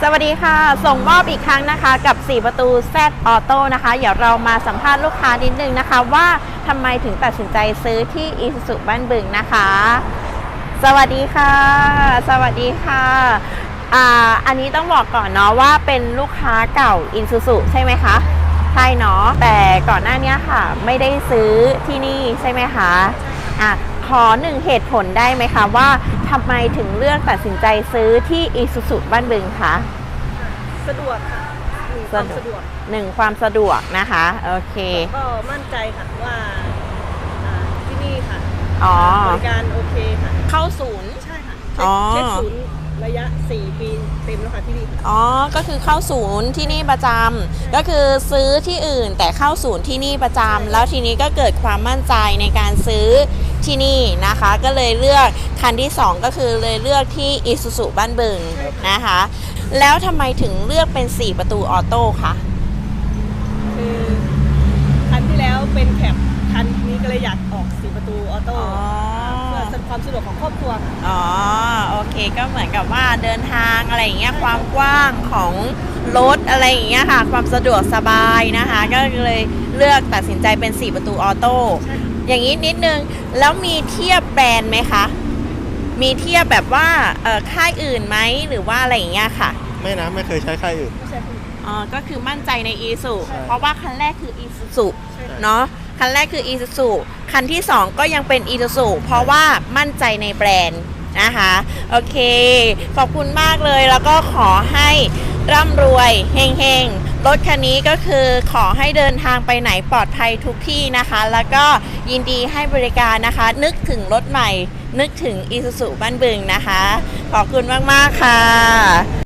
สวัสดีค่ะส่งมอบอีกครั้งนะคะกับ4ประตู Z Auto นะคะเดี๋ยวเรามาสัมภาษณ์ลูกค้านิดนึงนะคะว่าทำไมถึงตัดสินใจซื้อที่ Isuzu บ้านบึงนะคะสวัสดีค่ะสวัสดีค่ะอันนี้ต้องบอกก่อนเนาะว่าเป็นลูกค้าเก่า Isuzu ใช่ไหมคะใช่เนาะแต่ก่อนหน้านี้ค่ะไม่ได้ซื้อที่นี่ใช่ไหมคะขอหนึ่งเหตุผลได้ไหมคะว่าทำไมถึงเลือกตัดสินใจซื้อที่ Isuzu บ้านบึงคะสะดวกค่ะความสะดวกความสะดวกนะคะโอเคก็มั่นใจค่ะว่าที่นี่ค่ะบริการโอเคค่ะเข้าศูนย์ใช่ค่ะเช็คศูนย์ระยะ4 ปีเต็มแล้วค่ะที่นี่ก็คือเข้าศูนย์ที่นี่ประจำก็คือซื้อที่อื่นแต่เข้าศูนย์ที่นี่ประจำแล้วทีนี้ก็เกิดความมั่นใจในการซื้อที่นี่นะคะก็เลยเลือกคันที่2ก็คือเลยเลือกที่ Isuzu บ้านบึงนะคะแล้วทำไมถึงเลือกเป็น4ประตูออโต้คะคือคันที่แล้วเป็นแคปคันนี้ก็เลยอยากออก4ประตูออโต้เพื่อความสะดวกของครอบครัวโอเคก็เหมือนกับว่าเดินทางอะไรอย่างเงี้ยความกว้างของรถอะไรอย่างเงี้ยค่ะความสะดวกสบายนะคะก็เลยเลือกตัดสินใจเป็น4ประตูออโต้อย่างนี้นิดนึงแล้วมีเทียบแบรนด์ไหมคะมีเทียบแบบว่าค่ายอื่นไหมหรือว่าอะไรอย่างเงี้ยค่ะไม่เคยใช้ค่ายอื่นก็คือมั่นใจใน Isuzu เพราะว่าคันแรกคือ Isuzu เนาะคันแรกคือ Isuzu คันที่2ก็ยังเป็น Isuzu เพราะว่ามั่นใจในแบรนด์นะคะโอเคขอบคุณมากเลยแล้วก็ขอให้ร่ำรวยเฮงๆรถคันนี้ก็คือขอให้เดินทางไปไหนปลอดภัยทุกที่นะคะแล้วก็ยินดีให้บริการนะคะนึกถึงรถใหม่นึกถึง Isuzu บ้านบึงนะคะขอบคุณมากๆค่ะ